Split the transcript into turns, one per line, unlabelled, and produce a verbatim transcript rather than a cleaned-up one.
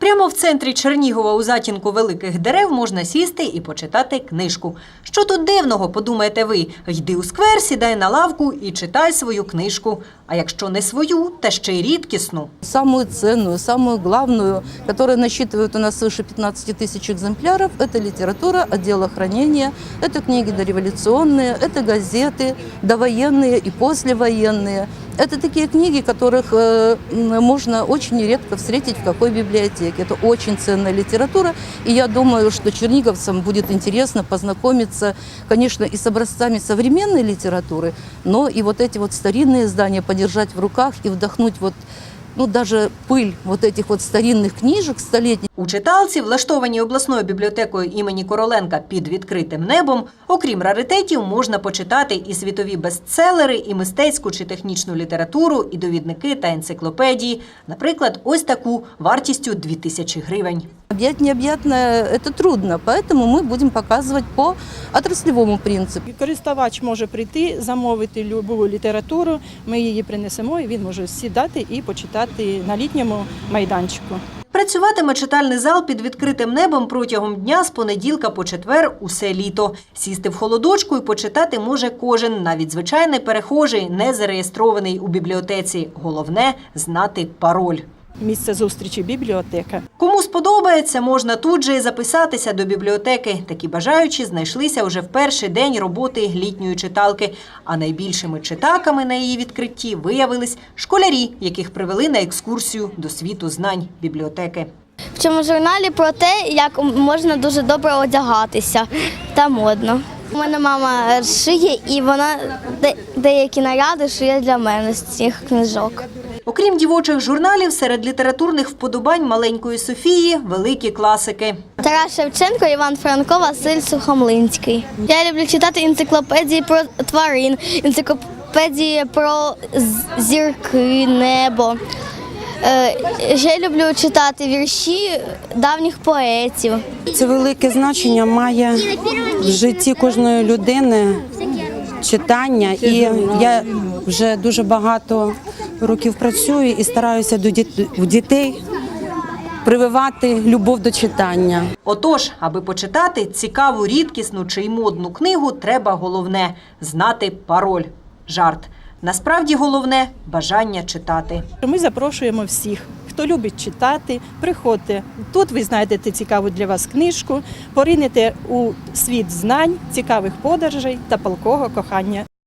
Прямо в центрі Чернігова у затінку великих дерев можна сісти і почитати книжку. Що тут дивного, подумаєте ви? Йди у сквер, сідай на лавку і читай свою книжку. А якщо не свою, та ще й рідкісну.
Самую ценную, самую главную, которая насчитывает у нас свыше пятнадцати тысяч экземпляров, это литература отдела хранения, это книги дореволюционные, это газеты довоенные и послевоенные. Это такие книги, которых э, можно очень редко встретить в какой библиотеке. Это очень ценная литература, и я думаю, что черниговцам будет интересно познакомиться, конечно, и с образцами современной литературы, но и вот эти вот старинные издания подержать в руках и вдохнуть вот, ну, даже пыль вот этих вот старинных книжек столетних.
У читалці, влаштованій обласною бібліотекою імені Короленка під відкритим небом, окрім раритетів, можна почитати і світові бестселери, і мистецьку чи технічну літературу, і довідники та енциклопедії. Наприклад, ось таку вартістю дві тисячі гривень.
Объять необъятное – это трудно, поэтому мы будем показывать по отраслевому принципу.
Користувач може прийти, замовити будь-яку літературу, ми її принесемо, і він може сідати і почитати на літньому майданчику.
Працюватиме читальний зал під відкритим небом протягом дня з понеділка по четвер усе літо. Сісти в холодочку і почитати може кожен, навіть звичайний перехожий, не зареєстрований у бібліотеці. Головне – знати пароль.
Місце зустрічі – бібліотека.
Кому сподобається, можна тут же і записатися до бібліотеки. Такі бажаючі знайшлися вже в перший день роботи літньої читалки. А найбільшими читаками на її відкритті виявились школярі, яких привели на екскурсію до світу знань бібліотеки.
В цьому журналі про те, як можна дуже добре одягатися та модно. У мене мама шиє, і вона деякі наряди шиє для мене з цих книжок.
Окрім дівочих журналів, серед літературних вподобань маленької Софії – великі класики.
Тарас Шевченко, Іван Франко, Василь Сухомлинський. Я люблю читати енциклопедії про тварин, енциклопедії про зірки, небо. Ще люблю читати вірші давніх поетів.
Це велике значення має в житті кожної людини читання. І я вже дуже багато років працюю і стараюся до дітей прививати любов до читання.
Отож, аби почитати цікаву, рідкісну чи й модну книгу, треба головне – знати пароль. Жарт. Насправді головне – бажання читати.
Ми запрошуємо всіх, хто любить читати, приходьте. Тут ви знайдете цікаву для вас книжку, поринете у світ знань, цікавих подорожей та палкого кохання.